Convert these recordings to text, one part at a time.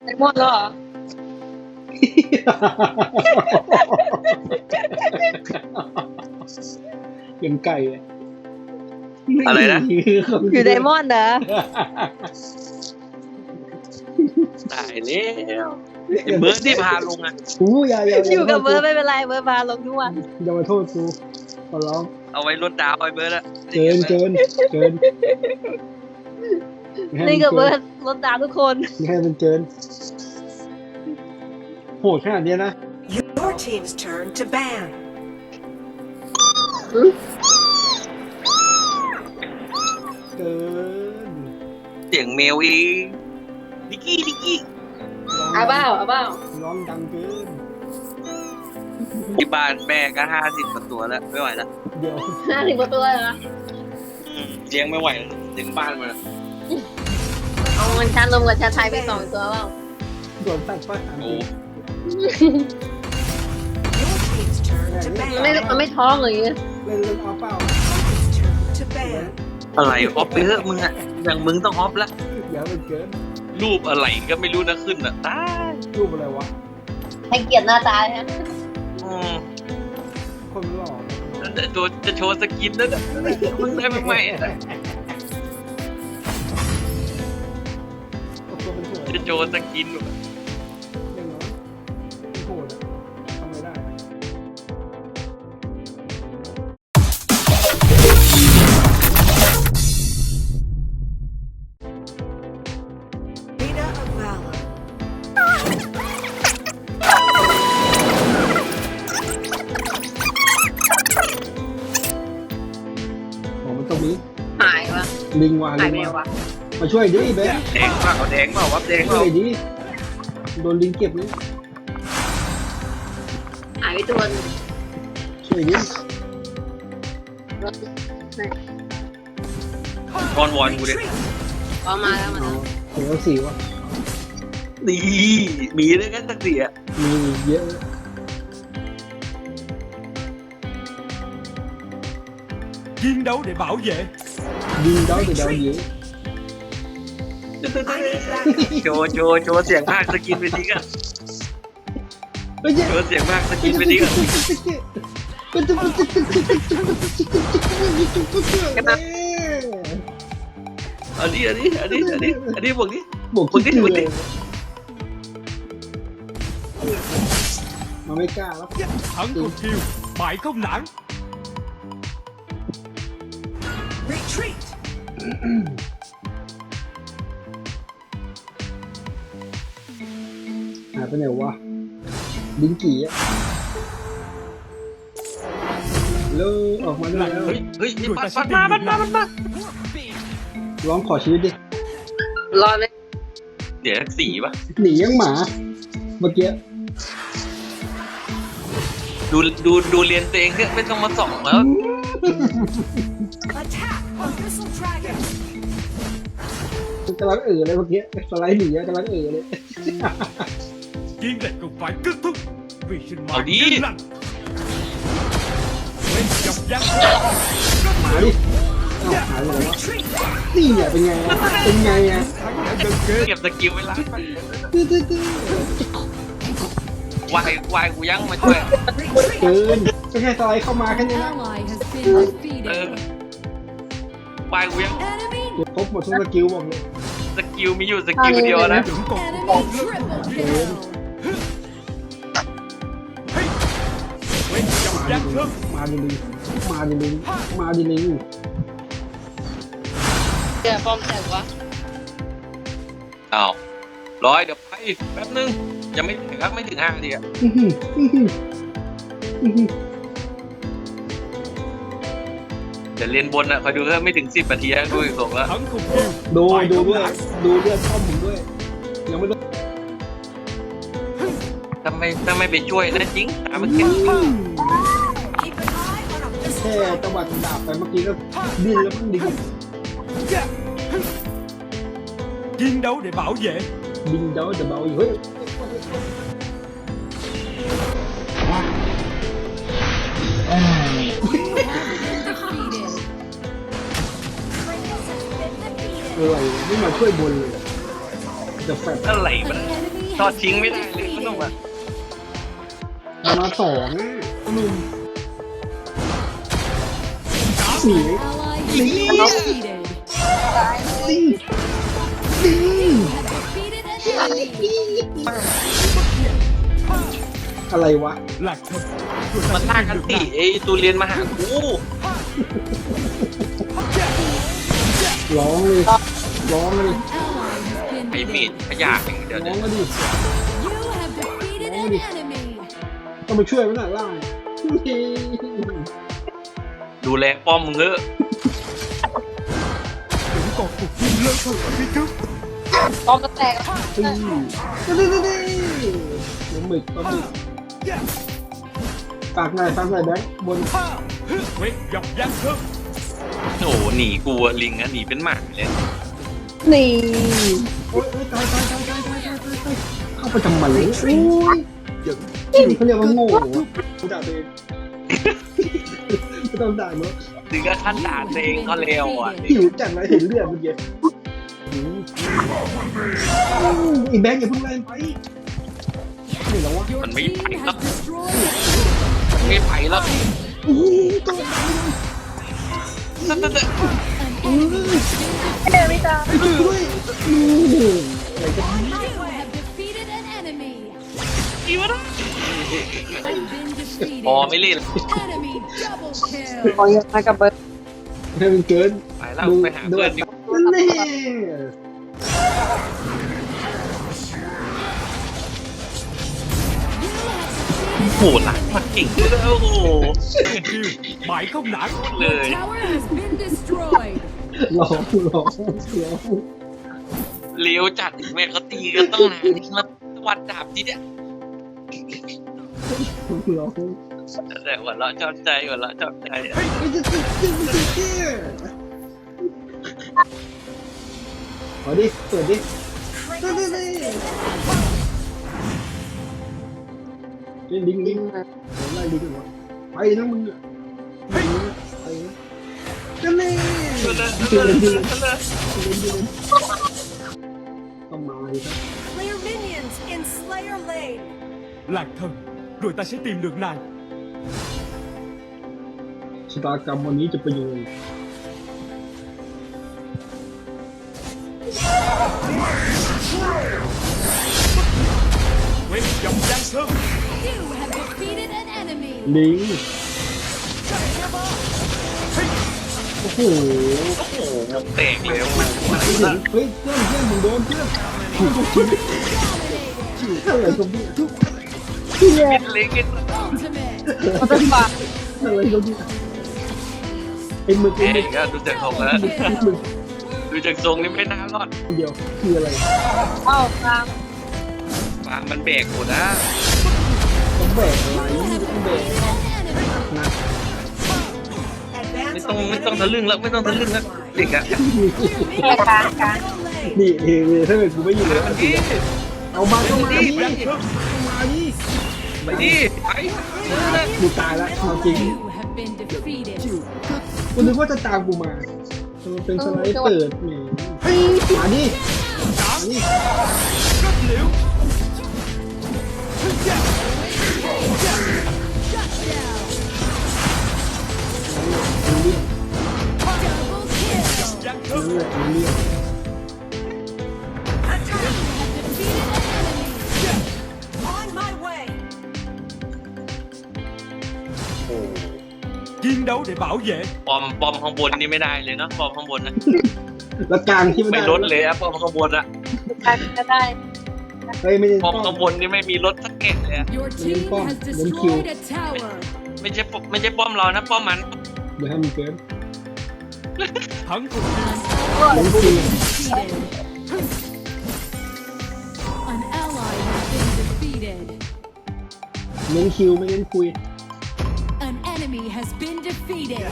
ไอมอนแล้วเหรอยังไก่อะอะไรนะอยู่ไดมอนด์เหรอตายแล้วไอ้เบิร์ดที่พาลงอ่ะอู้อย่าอยู่กับเบิร์ดไม่เป็นไรเบิร์ดพาลงทุกวันอย่ามาโทษกูขอร้องเอาไว้ลดดาวไอ้เบิร์ดอะเกินนี่กับเบิร์ดรถดาวทุกคนให้มันเกินโหดขนาดเนี้ยนะ Your team's turn to ban. เกินเสียงเมลอีดิกกี้เอาเปล่าร้องดังเกินที่บ้านแม่ก็50 กว่าตัวแล้วไม่ไหวแล้วเดี๋ยว 50 กว่าตัวเหรอเลี้ยงไม่ไหวแล้วถึงบ้านมาแล้วเอามันชาลมกับชาไทยไป2 ตัวเปล่าโดนตัดป้ายโอ้ Your team's turn to มัน ban. ไม่ท้องเลยเล่นเอาเปล่า Opponent's turn to ban. อะไรออฟไปเถอะมึงอะอย่างมึงต้องออฟละอย่ามันเกินรูปอะไรก็ไม่รู้นะขึ้นอะตายรูปอะไรวะให้เกียรติหน้าตาฮะอืมคนหล่อจะโชว์สกินนั่นอะมึงได้ไหมอะเอาตัวเป็นโหดจะโชว์สกินอย่างน้อยเป็นโหดอะทำไมได้ Arena of Valor. ของมันตรงนี้หายวะลิงวาหายลิไปงไหนวาวะมาช่วยดิเบนแดงเปล่าแดงเปล่าวับแดงเปช่ล่าวยดิโดนลิงเก็บเลยหายไปตัวนึงช่วยดิวอนกูดิพอมาแล้วมันเอาเดี๋ยวสี่วะดีมีด้วยกันสักทีอะมีเยอะ Chiến đấu để bảo vệ. ดีเดาแต่เดาเยอะโชว์เสียงภาคสกินไปทีกันเฮ้ยโชว์เสียงภาคสกินไปทีกัน อันนี้บอกนี้บวกคิดเลยมันไม่กล้าแล้ว Thắng không chiêu, bại không nản. Retreat. หายไปไหนวะลิงกี่อะแล้วออกมาได้แล้วเฮ้ยปัดมาร้องขอชีวิตดิรอเลยเดี๋ยวสีป่ะหนียังหมาเมื่อกี้ดูเรียนตัวเองเนี่ยไม่ต้องมาส่องแล้ว Attack on Missile Dragon. กำลังเลยเมื่อกี้สไลด์หนีกำลังเลย Chiến dịch cũng phải kết thúc vì sinh Ở mạng đi. yên lành. Lên dọc giang หมาดิเอาหายไปไหนวะ Retreat. นี่อ่ะเป็นไงอ่ะเป็นไงอ่ะ thắng đã gần kề. เก็บสกิลไว้ล้างวายกูยังมาช่วย Retreat. เกินก็แค่สไลด์เข้ามาแค่นี้นะ Ally has been เอ defeated. วายกูยัง Enemy เก็บครบหมดทุกสกิลบอกเลยสกิลมีอยู่สกิลเดียวนะ Vẫn còn enemy còn triple kill. Lên dọc giang sơn. มาดิลิงมาดิลิงมาดิลิงเจอฟอร์มแตกวะอ้าวร้อยเดี๋ยวไปแป๊บนึงยังไม่ถึงครับไม่ถึง5 นาทีอะอื้อหืออื้อหืออื้อหือเดี๋ยวเรียนบนอะคอยดูเถอะไม่ถึง10 นาทีดูอีกส่งแล้ว Thắng không chiêu, ดู bại ดู không ด้วย nản. ดูเลือดช่อมผมด้วยยังไม่รู้ทำไมไปช่วยนะจริงตามเมื่อกี้ Keep an eye on a แค่ missile ต dragon. วัดดาบไปเมื่อกี้ก็ดิ้นแล้วมันดิ้น Chiến đấu để bảo vệ. ดิ้นเดาจะเบาอยู่เฮ้ย Defeated. อะไรไม่มาช่วยบนเลยจะแฟดอะไรมัน An enemy ทอดทิ้งไม่ได้เลยขนมอ่ะมาสองหนุ่มหนี Ally has been defeated. ลิง Have defeated an enemy. อะไรวะหลักเธอมันลากกันตีไอ้ตูเรียนมาหากูร้องเลยร้องเลย Ally has been ไอ้เม defeated. ดขยะอย่างเดียวร้เนี่อย งมาดิ You have defeated an enemy. ต้องไปช่วยมันหน่อยล่างดูแลป้อมมึงเถอะถึงกองถูกยิงเลิกเถอะพี่กึ๊บพร้อมจะแตกตีนี่น้ำหมึกปลาหมึกฝากหน่อยแบงค์บนเว้ยยับยั้งเถอะโอ้โหหนีกูอะลิงอะหนีเป็นหมาเลยนี่โอ๊ยตายเข้าไปทำไมโอ้ยเขาเรียกว่าโง่เขาด่าตัวเองไม่ต้องด่าเนาะถึงกับขั้นด่าตัวเองก็เลวอ่ะหิวจังเลยเห็นเลือดเมื่อกี้อีแบงค์อย่าเพิ่งไล่ไปนี่แล้ววะ Your Mình bị team bại has lắm. destroyed ไม่ไปแล้วโอ้โหต้อง an enemy. เดี๋ยวไม่ตาด้วยอะไรกัน You have defeated an enemy. อีวะนะ Have been defeated. พอไม่เล่น Enemy double kill. ขอยังมากับเบิร์ดให้มันเกินไปแล้วไปหาเพื่อนดีกว่านี่โอ้โหหลังมันเก่งเลยโอ้โหคือหมายเข้าหนังเล Your ย tower has been destroyed. ร้องเลี้ยวจัดแม่เขาตีกันต้องนานนี่มาวัดดาบทีเนี้ยแต่หัวเราะชอบใจหัวเราะชอบใจอะขอดิเปิดดิลิงไล่ลิงกันวะไปนะมึงอ่ะไปกันเลยต้องมาดิครับ Clear minions in Slayer Lane. หลักเธอrồi ta sẽ tìm được nàng ชะตากรรมวันนี้จะเป็นยังไงเว้ยยับยั้งเถอะ You have defeated an enemy. ลิงโอ้โหโอ้โหวงแตกเลยโอ้โหเฮ้ยเพื่อนมึงโดนเพื่อนอะไรก็ไม่เป็นเล็กกัน Ultimate. เขาจะฝากอะไรก็ไม่ไอ้มึกเองก็ดูจากทรงแล้วมึกดูจากทรงนี่ไม่น่ารอดเดียวคืออะไรเอ้ากลางฟาร์มมันแบกหมดนะต้องแบกอะไร You have ต้องแบก defeated an enemy. นะไม่ต้องทะลึ่งแล้วไม่ต้องทะลึ่งแล้วเด็กอะ Clear แค่ minions กลาง in กลาง Middle Lane. นี่ถ้าเกิดกูไม่อยู่แล้วมันดีเอามาก็มาดิยั้งเถอะมาดิไปดิไปกูตายแล้วเอาจริง You have been defeated. กูนึกว่าจะตามกูมามันเป็นสไลด์เปิดแหมมาดิมาดิ rất liễu Shut down. มันเรียก Double kill. ยั้งเถมันอะเรียกมันเรียก Have defeated an enemy. On my way. chiến đấu để bảo vệ ปอมข้างบนนี่ไม่ได้เลยเนาะปอมข้างบนนะแล้วกลางที่ไม่ไม่ได้ลดเลยอะปอมข้างบนอะกลางก็ได้เฮ้ยไม่ได้ปอมข้างบนนี่ไม่มีรถสักแก่เลยอะ Your team has destroyed a tower. ไม่ใช่ป้อมเรานะป้อมมันเดี๋ยวให้มันเกิน thắng cuộc chiến มันคือ Defeated. An ally has been defeated. เน้นคิวไม่เน้นคุย An enemy has been defeated.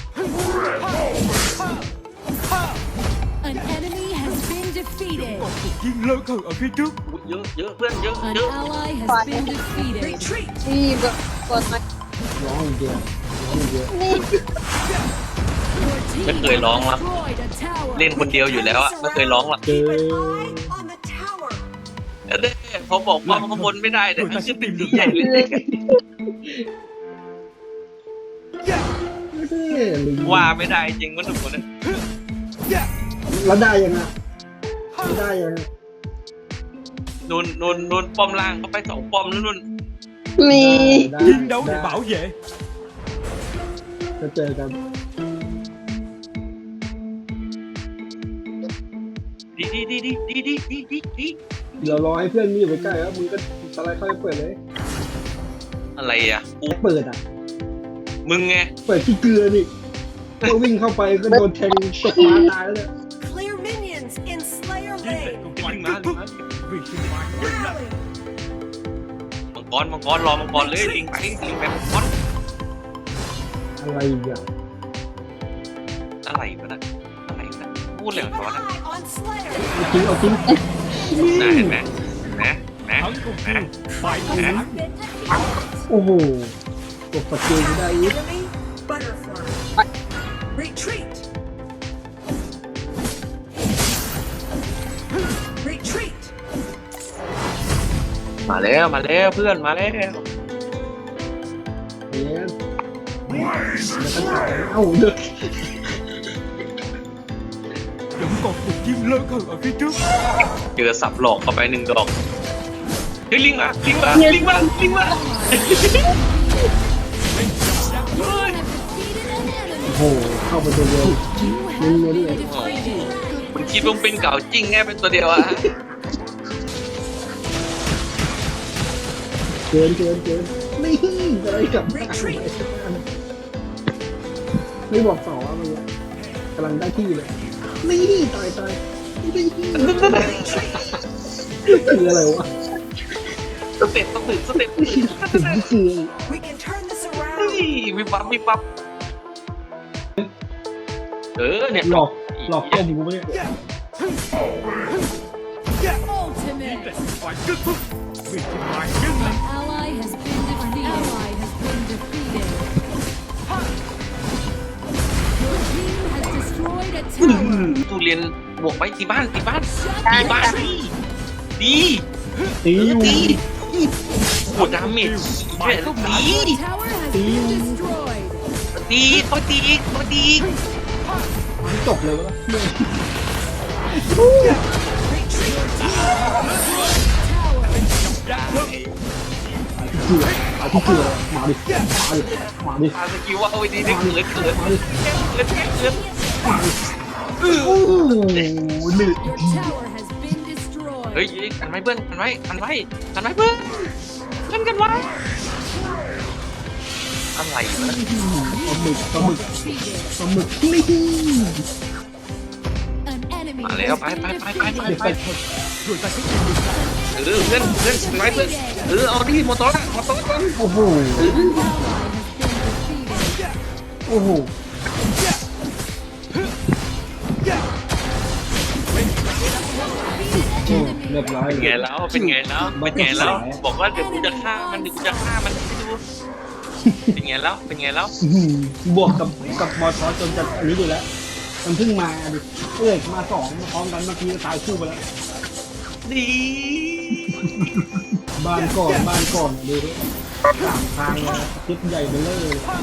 An enemy has been defeated. còn cuộc chiến lớn hơn ở phía trước เยอะเยอะเพื่อนเยอะ An เยอะ ally has been defeated. Retreat. นี่เบิร์ดกดมาร้องอย่างเดียวร้องอย่างเดียวนี่ Your team Chắc người has lon lắm. destroyed a tower. เล่นคนเดียวอยู่แล้วอะไม่เคยร้องหรอกเกินเอเด้พอบอกว่าข้างบนไม่ได้แต่มันขึ้นไปดีใหญ่เลยไม่ได้ลิงว่าไม่ได้จริงมันทุกคนนะแล้วได้ยังไงไม่ได้ยังไงนูนป้อมล่างเขาไป2 ป้อมแล้วนูนมีได้ chiến đấu để ได้ bảo vệ. จะเจอกันดีเดี๋ยวรอให้เพื่อนมีอยู่ใกล้ๆแล้วมึงก็สไลด์เข้าไปเปิดเลยอะไรอ่ะกูเปิดอ่ะมึงไงเปิดที่เกลือนี่ก็วิ่งเข้าไปก็โดนแทงตกมาตายแล้วเนี่ย Clear minions in Slayer Chiến lược Lane. của phải kết thúc vì sinh mạng vĩnh lặng. Rally. มังกรรอมังกรเลยลิงไปมังกรอะไรอีกอ่ะอะไรวะนะพูดเลย Keep ก่อน an นะ eye on Slayer. เอาทิ้งนะเห็นไหมนะ Thắng cùng chung phải công Hả? phá. โอ้โหกดสกิลไม่ได้อีก Enemy butterfly. Retreat. Retreat. มาแล้วเพื่อนมาแล้วเนี่ยเอ้าเด็ก Vẫn còn cuộc chiến lớn hơn ở phía trước. เจอสับหลอกเข้าไป1 ดอกเฮ้ยลิงมาโอ้โหเข้าไปตัวเดียวมึงเนี่ยคุณคิดว่าเป็นเก่าจริงแง่เป็นตัวเดียวอะเกินนี่อะไรกับไม่บอกต่อว่ามันกำลังได้ที่เลยนี่ตายนี่คืออะไรวะสเต็ปต้องถึงคือ We can turn this เฮ้ย around. วิบวับเนี่ยหลอกต้มกูไหมเนี่ย Chiến lược của phải kết thúc vì sinh mạng vĩnh lặng. Ally has been defeated. Ally has been defeated. Your team has destroyed a tower. ตูเรียนบวกไปตีบ้าน Shut ตีบ้าน down. ดีตีอยู่ปวดดาเมจเนี่ยดี Your tower has been destroyed. ตีตัวตีอีกจบเลยวะ เอาที่เกลือมาดิพาสกิลว่าเอาไว้ดีได้เกิดโอ้โหหนึ่ง Your tower has been destroyed. เฮ้ยกันไว้เพื่อนกันไว้เพื่อนกันไว้อะไรวะปลาหมึก Defeated. นี่ An enemy มาแล้ว has ไป been ไป defeated. Rồi ta sẽ tìm được เพื่อนกันไว้เพื่อนเอาดิมอเตอร์ก่อนโอ้โห An ally has been defeated. โอ้โหเรียบร้อยเป็นไงแล้วบอกว่าเดี๋ยวกูจะฆ่ามันให้ดูเป็นไงแล้วบวกกับมอทอจนจะอันนี้ดูแล้วมันเพิ่งมาดิมา2พร้อมกันเมื่อกี้ตายคู่ไปแล้วดีบ้านก่อนดูดิ3 ทางเลยทิศใหญ่ไปเลย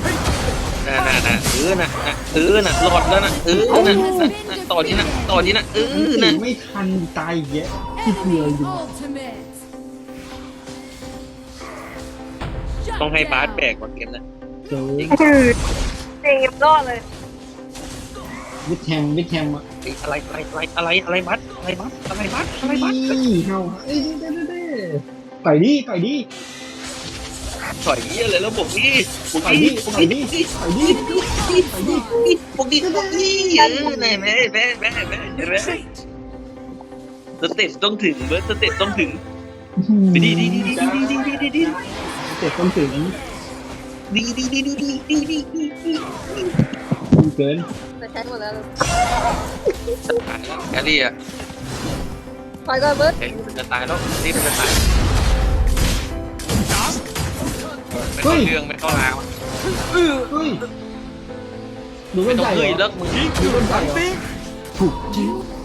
น่ะหลอดแล้วนะต่อที่นะตีไม่ทันตายเยอะที่เกลือ Enemy อยู่ ultimate. ต้อง Shut ให้บาส down. แบกกว่าเกมนะเจอเต็มรอดเลยวิทแฮมอ่ะอะไรบัสนี่เฮาเอ้ยไก่ดิต่อยยี่อะไรแล้วบอกนี่ไหนแม่สเต็ปต้องถึงไปดีเจ็บต้องถึงเกินจะใช้หมดแล้วแอรี่อ่ะถอยก่อนเบิร์ดเฮ้ยมันจะตายแล้วนี่มันจะตายไม่เข้าเรื่องไม่เข้าราวเฮ้ยดูไม่ต้นต้องใหญ่เฮ้ยเหรเลิอกมึง chiến trường thắng tiến. ถูก You